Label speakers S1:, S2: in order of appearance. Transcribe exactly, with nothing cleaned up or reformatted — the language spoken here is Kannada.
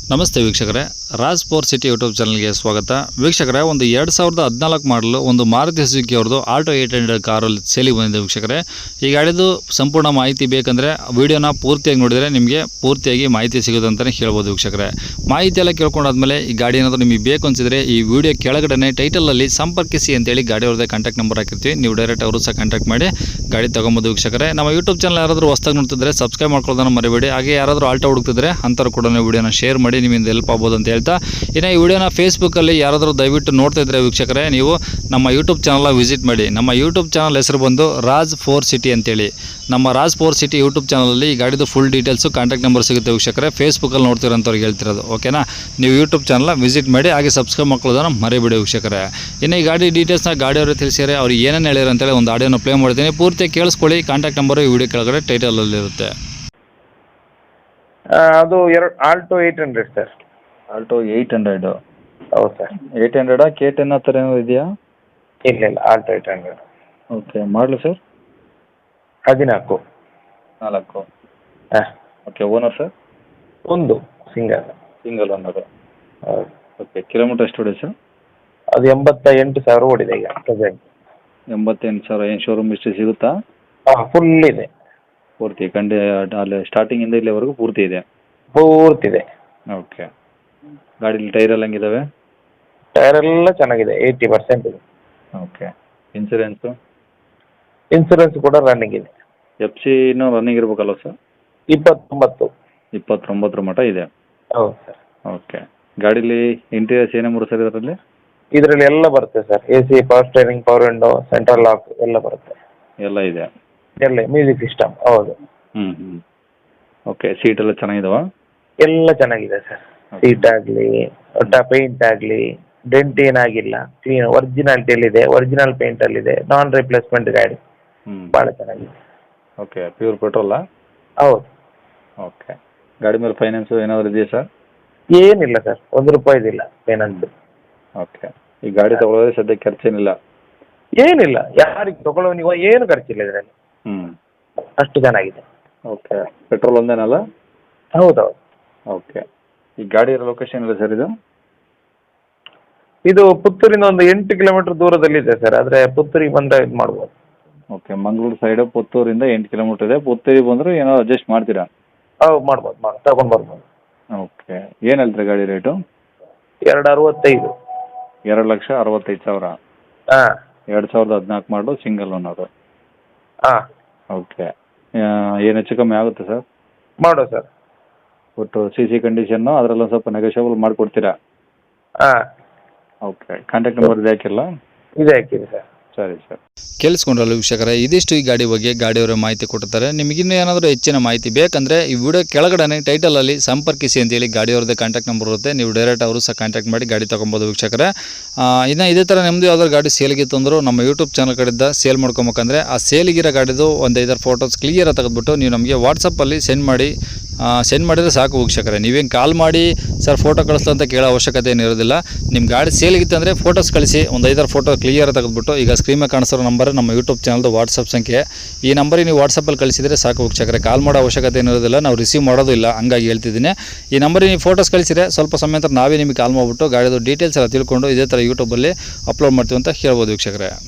S1: ನಮಸ್ತೆ ವೀಕ್ಷಕರೇ, ರಾಜ್ ಫೋರ್ ಸಿಟಿ ಯೂಟ್ಯೂಬ್ ಚಾನಲ್ಗೆ ಸ್ವಾಗತ. ವೀಕ್ಷಕರೇ, ಒಂದು ಎರಡು ಸಾವಿರದ ಹದಿನಾಲ್ಕು ಮಾಡಲು ಒಂದು ಮಾರುತಿ ಸುಜುಕಿ ಅವ್ರದ್ದು ಆಲ್ಟೋ ಏಟ್ ಹಂಡ್ರೆಡ್ ಕಾರಲ್ಲಿ ಸೇಲಿಗೆ ಬಂದಿದೆ. ವೀಕ್ಷಕರೇ, ಈ ಗಾಡಿದು ಸಂಪೂರ್ಣ ಮಾಹಿತಿ ಬೇಕಂದರೆ ವಿಡಿಯೋನ ಪೂರ್ತಿಯಾಗಿ ನೋಡಿದರೆ ನಿಮಗೆ ಪೂರ್ತಿಯಾಗಿ ಮಾಹಿತಿ ಸಿಗುತ್ತೆ ಅಂತಲೇ ಹೇಳ್ಬೋದು. ವೀಕ್ಷಕರೇ, ಮಾಹಿತಿ ಎಲ್ಲ ಕೇಳ್ಕೊಂಡಾದ್ಮೇಲೆ ಈ ಗಾಡಿ ಏನಾದರೂ ನಿಮಗೆ ಬೇಕು ಅನಿಸಿದರೆ ಈ ವಿಡಿಯೋ ಕೆಳಗಡೆ ಟೈಟಲಲ್ಲಿ ಸಂಪರ್ಕಿಸಿ ಅಂತೇಳಿ ಗಾಡಿ ಅವ್ರದ್ದೇ ಕಾಂಟ್ಯಾಕ್ಟ್ ನಂಬರ್ ಹಾಕಿರ್ತೀವಿ. ನೀವು ಡೈರೆಕ್ಟ್ ಅವರು ಸಹ ಕಾಂಟ್ಯಾಕ್ಟ್ ಮಾಡಿ ಗಾಡಿ ತೊಗೊಬೋದು. ವೀಕ್ಷಕರೇ, ನಮ್ಮ ಯೂಟ್ಯೂಬ್ ಚಾನಲ್ ಯಾರಾದರೂ ಹೊಸದಾಗಿ ನೋಡ್ತಿದ್ರೆ ಸಬ್ಸ್ಕ್ರೈಬ್ ಮಾಡ್ಕೊಳ್ಳೋದನ್ನು ಮರಿಬೇಡಿ. ಹಾಗೆ ಯಾರಾದರೂ ಆಲ್ಟೋ ಹುಡುಕ್ತಿದ್ರೆ ಅಂಥವ್ರು ಕೂಡ ವಿಡಿಯೋನ ಶೇರ್ ಮಾಡಿ, ನಿಮ್ಮಿಂದ ಹೆಲ್ಪ್ ಆಗ್ಬೋದು ಅಂತ ಹೇಳ್ತಾ, ಇನ್ನು ಈ ವಿಡಿಯೋನ ಫೇಸ್ಬುಕ್ಕಲ್ಲಿ ಯಾರಾದರೂ ದಯವಿಟ್ಟು ನೋಡ್ತಾ ಇದ್ದರೆ ವೀಕ್ಷಕರೇ, ನೀವು ನಮ್ಮ ಯೂಟ್ಯೂಬ್ ಚಾನಲ್ನ ವಿಸಿಟ್ ಮಾಡಿ. ನಮ್ಮ ಯೂಟ್ಯೂಬ್ ಚಾನಲ್ ಹೆಸರು ಬಂದು ರಾಜ್ ಫೋರ್ ಸಿಟಿ ಅಂತೇಳಿ. ನಮ್ಮ ರಾಜ್ ಫೋರ್ ಸಿಟಿ ಯೂಟ್ಯೂಬ್ ಚಾನಲಲ್ಲಿ ಈ ಗಾಡಿದು ಫುಲ್ ಡೀಟೇಲ್ಸು ಕಾಂಟ್ಯಾಕ್ಟ್ ನಂಬರ್ ಸಿಗುತ್ತೆ ವೀಕ್ಷಕರೇ. ಫೇಸ್ಬುಕ್ಕಲ್ಲಿ ನೋಡ್ತಿರೋಂಥವ್ರಿಗೆ ಹೇಳ್ತಿರೋದು, ಓಕೆನಾ. ನೀವು ಯೂಟ್ಯೂಬ್ ಚಾನಲ್ನ ವಿಸಿಟ್ ಮಾಡಿ, ಹಾಗೆ ಸಬ್ಸ್ಕ್ರೈಬ್ ಮಾಡ್ಕೊಳ್ಳೋದನ್ನು ಮರಿಬೇಡಿ ವೀಕ್ಷಕರೇ. ಇನ್ನು ಈ ಗಾಡಿ ಡೀಟೇಲ್ಸ್ನ ಗಾಡಿಯವರು ತಿಳಿಸಿದರೆ ಅವ್ರು ಏನೇನು ಹೇಳಿರೋ ಅಂತೇಳಿ ಒಂದು ಆಡಿಯೋನ ಪ್ಲೇ ಮಾಡ್ತೀನಿ. ಪೂರ್ತಿ ಕೇಳಿಸ್ಕೊಳ್ಳಿ. ಕಾಂಟ್ಯಾಕ್ಟ್ ನಂಬರು ಈ ವಿಡಿಯೋ ಕೆಳಗಡೆ ಟೈಟಲಲ್ಲಿರುತ್ತೆ.
S2: ಅದು ಎರಡು Alto eight hundred sir.
S1: Alto eight hundred.
S2: ಹೌದು ಸರ್.
S1: ಏಯ್ಟ್ ಹಂಡ್ರೆಡಾ ಕೆ ಟೆನ್ ಆ ಥರ ಏನೋ ಇದೆಯಾ?
S2: ಇಲ್ಲ ಇಲ್ಲ, ಆಲ್ಟೋ ಏಯ್ಟ್ ಹಂಡ್ರೆಡ್.
S1: ಓಕೆ, ಮಾಡಲು ಸರ್?
S2: ಹದಿನಾಲ್ಕು.
S1: ನಾಲ್ಕು.
S2: ಹಾಂ.
S1: Okay, owner sir?
S2: ಒಂದು ಸಿಂಗಲ್.
S1: Single owner.
S2: ಹೌದು.
S1: ಓಕೆ, ಕಿಲೋಮೀಟರ್ ಎಷ್ಟು ಹೊಡೆ ಸರ್?
S2: ಅದು ಎಂಬತ್ತ ಎಂಟು ಸಾವಿರ ಓಡಿದೆ ಈಗ ಪ್ರೆಸೆಂಟ್.
S1: ಎಂಬತ್ತೆಂಟು ಸಾವಿರ. ಏನು ಶೋರೂಮ್ ಹಿಸ್ಟ್ರಿ ಸಿಗುತ್ತಾ?
S2: ಹಾಂ, ಫುಲ್ ಇದೆ.
S1: ಪೂರ್ತಿ ಕಂಡೆ ಅಲ್ಲಿ ಸ್ಟಾರ್ಟಿಂಗಿಂದ ಇಲ್ಲಿವರೆಗೂ ಪೂರ್ತಿ ಇದೆ?
S2: ಪೂರ್ತಿ ಇದೆ.
S1: ಓಕೆ, ಗಾಡೀಲಿ ಟೈರ್ ಎಲ್ಲ ಹೆಂಗಿದಾವೆ?
S2: ಟೈರ್ ಎಲ್ಲ ಚೆನ್ನಾಗಿದೆ, ಏಯ್ಟಿ ಪರ್ಸೆಂಟ್ ಇದೆ.
S1: Okay, insurance?
S2: ಇನ್ಸೂರೆನ್ಸ್ ಕೂಡ ರನ್ನಿಂಗ್ ಇದೆ.
S1: ಎಫ್ ಸಿ ಇನ್ನೂ ರನ್ನಿಂಗ್ ಇರಬೇಕಲ್ವ ಸರ್?
S2: ಇಪ್ಪತ್ತೊಂಬತ್ತು.
S1: ಇಪ್ಪತ್ತೊಂಬತ್ತರ ಮಟ್ಟ ಇದೆ?
S2: ಹೌದು ಸರ್.
S1: ಓಕೆ, ಗಾಡೀಲಿ ಇಂಟೀರಿಯರ್ಸ್ ಏನೇ ಮೂರು ಸರ್ ಇದರಲ್ಲಿ?
S2: ಇದರಲ್ಲಿ ಎಲ್ಲ ಬರುತ್ತೆ sir. A C, power steering, power window, central lock ಎಲ್ಲ ಬರುತ್ತೆ.
S1: ಎಲ್ಲ ಇದೆ?
S2: ಎಲ್ಲ ಮ್ಯೂಸಿಕ್ ಸಿಸ್ಟಮ್. ಹೌದು.
S1: ಹ್ಞೂ ಹ್ಞೂ ಓಕೆ, ಸೀಟ್ ಎಲ್ಲ ಚೆನ್ನಾಗಿದಾವ?
S2: ಎಲ್ಲ ಚೆನ್ನಾಗಿದೆ ಸರ್. ಸೀಟ್ ಆಗಲಿ, ಒಟ್ಟ ಪೇಂಟ್ ಆಗಲಿ, ಡೆಂಟ್ ಏನಾಗಿಲ್ಲ, ಕ್ಲೀನ್ ಒರಿಜಿನಾಲಿಟಿಯಲ್ಲಿದೆ, ಒರಿಜಿನಲ್ ಪೇಂಟಲ್ಲಿದೆ, ನಾನ್ ರಿಪ್ಲೇಸ್ಮೆಂಟ್ ಗಾಡಿ.
S1: ಹ್ಞೂ,
S2: ಭಾಳ ಚೆನ್ನಾಗಿದೆ.
S1: ಓಕೆ, ಪ್ಯೂರ್ ಪೆಟ್ರೋಲಾ?
S2: ಹೌದು.
S1: ಓಕೆ, ಗಾಡಿ ಮೇಲೆ ಫೈನಾನ್ಸು ಏನಾದರೂ ಇದೆಯಾ ಸರ್?
S2: ಏನಿಲ್ಲ ಸರ್, ಒಂದು ರೂಪಾಯಿದಿಲ್ಲ ಫೈನಾನ್ಸ್.
S1: ಓಕೆ, ಈ ಗಾಡಿ ತಗೊಳ್ಳೋದ್ರೆ ಸದ್ಯಕ್ಕೆ ಖರ್ಚೇನಿಲ್ಲ?
S2: ಏನಿಲ್ಲ, ಯಾರಿಗೆ ತಗೊಳ್ಳೋನಿಗೋ ಏನು ಖರ್ಚಿಲ್ಲ ಇದರಲ್ಲಿ.
S1: ಹ್ಞೂ,
S2: ಅಷ್ಟು ಚೆನ್ನಾಗಿದೆ.
S1: ಓಕೆ, ಪೆಟ್ರೋಲ್ ಒಂದೇನಲ್ಲ?
S2: ಹೌದೌದು.
S1: ಓಕೆ, ಈ ಗಾಡಿ ಇರೋ ಲೊಕೇಶನ್ ಇಲ್ಲ ಸರ್ ಇದು?
S2: ಇದು ಪುತ್ತೂರಿಂದ ಒಂದು ಎಂಟು ಕಿಲೋಮೀಟರ್ ದೂರದಲ್ಲಿದೆ ಸರ್. ಆದರೆ ಪುತ್ತೂರಿಗೆ ಬಂದರೆ ಇದು ಮಾಡ್ಬೋದು.
S1: ಓಕೆ, ಮಂಗಳೂರು ಸೈಡು ಪುತ್ತೂರಿಂದ ಎಂಟು ಕಿಲೋಮೀಟರ್ ಇದೆ. ಪುತ್ತೂರಿಗೆ ಬಂದರೂ ಏನೋ ಅಡ್ಜಸ್ಟ್ ಮಾಡ್ತೀರಾ?
S2: ಹೌದು, ಮಾಡ್ಬೋದು, ಮಾಡಿ ತಗೊಂಡು ಬರ್ಬೋದು.
S1: ಓಕೆ, ಏನು ಹೇಳ್ತೀರಾ ಗಾಡಿ ರೇಟು?
S2: ಎರಡು ಅರವತ್ತೈದು.
S1: ಎರಡು ಲಕ್ಷ ಅರವತ್ತೈದು ಸಾವಿರ.
S2: ಹಾಂ.
S1: ಎರಡು ಸಾವಿರದ ಹದಿನಾಲ್ಕು ಮಾಡಲು ಸಿಂಗಲ್ ಓನರು.
S2: ಹಾಂ.
S1: ಓಕೆ, ಏನು ಹೆಚ್ಚು ಕಮ್ಮಿ ಆಗುತ್ತೆ ಸರ್?
S2: ಮಾಡೋ ಸರ್.
S1: ಒಟ್ಟು ಸಿ ಸಿ ಕಂಡೀಷನ್ನು ಅದರಲ್ಲ ಸ್ವಲ್ಪ ನೆಗೋಷಿಯಬಲ್ ಮಾಡಿಕೊಡ್ತೀರಾ?
S2: ಹಾಂ.
S1: ಓಕೆ, ಕಾಂಟ್ಯಾಕ್ಟ್ ನಂಬರ್ ಇದೆ ಹಾಕಿಲ್ಲ?
S2: ಇದೆ ಹಾಕಿದೆ ಸರ್.
S1: ಸರಿ ಸರ್. ಕೇಳಿಸ್ಕೊಂಡ್ರಲ್ಲ ವೀಕ್ಷಕರೇ, ಇದಿಷ್ಟು ಈ ಗಾಡಿ ಬಗ್ಗೆ ಗಾಡಿಯವರ ಮಾಹಿತಿ ಕೊಟ್ಟಿರ್ತಾರೆ. ನಿಮಗಿನ್ನೂ ಏನಾದರೂ ಹೆಚ್ಚಿನ ಮಾಹಿತಿ ಬೇಕಂದರೆ ಈ ವಿಡಿಯೋ ಕೆಳಗಡೆ ಟೈಟಲಲ್ಲಿ ಸಂಪರ್ಕಿಸಿ ಅಂತೇಳಿ ಗಾಡಿಯವ್ರದ್ದೇ ಕಾಂಟ್ಯಾಕ್ಟ್ ನಂಬರ್ ಇರುತ್ತೆ. ನೀವು ಡೈರೆಕ್ಟ್ ಅವರು ಸಹ ಕಾಂಟ್ಯಾಕ್ಟ್ ಮಾಡಿ ಗಾಡಿ ತೊಗೊಬೋದು ವೀಕ್ಷಕರೇ. ಇನ್ನು ಇದೇ ಥರ ನಿಮ್ಮದು ಯಾವ್ದಾದ್ರು ಗಾಡಿ ಸೇಲ್ಗಿತ್ತು ಅಂದರೂ ನಮ್ಮ ಯೂಟ್ಯೂಬ್ ಚಾನಲ್ ಕಡೆಯಿಂದ ಸೇಲ್ ಮಾಡ್ಕೊಬೇಕಂದ್ರೆ ಆ ಸೇಲಿಗಿರೋ ಗಾಡಿದು ಒಂದು ಐದಾರು ಫೋಟೋಸ್ ಕ್ಲಿಯರಾಗಿ ತೆಗೆದುಬಿಟ್ಟು ನೀವು ನಮಗೆ ವಾಟ್ಸಪ್ಪಲ್ಲಿ ಸೆಂಡ್ ಮಾಡಿ ಸೆಂಡ್ ಮಾಡಿದರೆ ಸಾಕು ವೀಕ್ಷಕರೇ. ನೀವೇನು ಕಾಲ್ ಮಾಡಿ ಸರ್ ಫೋಟೋ ಕಳಿಸ್ತಾ ಅಂತ ಕೇಳೋ ಅವಶ್ಯಕತೆ ಏನಿರೋದಿಲ್ಲ. ನಿಮ್ಮ ಗಾಡಿ ಸೇಲಿಗಿತ್ತು ಅಂದರೆ ಫೋಟೋಸ್ ಕಳಿಸಿ, ಒಂದು ಐದಾರು ಫೋಟೋ ಕ್ಲಿಯರ್ ತೆಗೆದುಬಿಟ್ಟು ಈಗ ಸ್ಕ್ರೀನ್ ಮೇಲೆ ಕಾಣಿಸೋ ನಂಬರ್ ನಮ್ಮ ಯೂಟ್ಯೂಬ್ ಚಾನಲ್ದು ವಾಟ್ಸಪ್ ಸಂಖ್ಯೆ. ಈ ನಂಬರಿಗೆ ನೀವು ವಾಟ್ಸಪ್ಪಲ್ಲಿ ಕಳಿಸಿದರೆ ಸಾಕು ವೀಕ್ಷಕರೇ. ಕಾಲ್ ಮಾಡೋ ಅವಶ್ಯಕತೆ ಏನಿರೋದಿಲ್ಲ, ನಾವು ರಿಸೀವ್ ಮಾಡೋದು ಇಲ್ಲ, ಹಂಗಾಗಿ ಹೇಳ್ತಿದ್ದೀನಿ. ಈ ನಂಬರಿಗೆ ನೀವು ಫೋಟೋಸ್ ಕಳಿಸಿದರೆ ಸ್ವಲ್ಪ ಸಮಯ ನಂತರ ನಾವೇ ನಿಮಗೆ ಕಾಲ್ ಮಾಡಿಬಿಟ್ಟು ಗಾಡಿದು ಡೀಟೇಲ್ಸ್ ಎಲ್ಲ ತಿಳ್ಕೊಂಡು ಇದೇ ಥರ ಯೂಟ್ಯೂಬಲ್ಲಿ ಅಪ್ಲೋಡ್ ಮಾಡ್ತೀವಿ ಅಂತ ಹೇಳ್ಬೋದು ವೀಕ್ಷಕರೇ.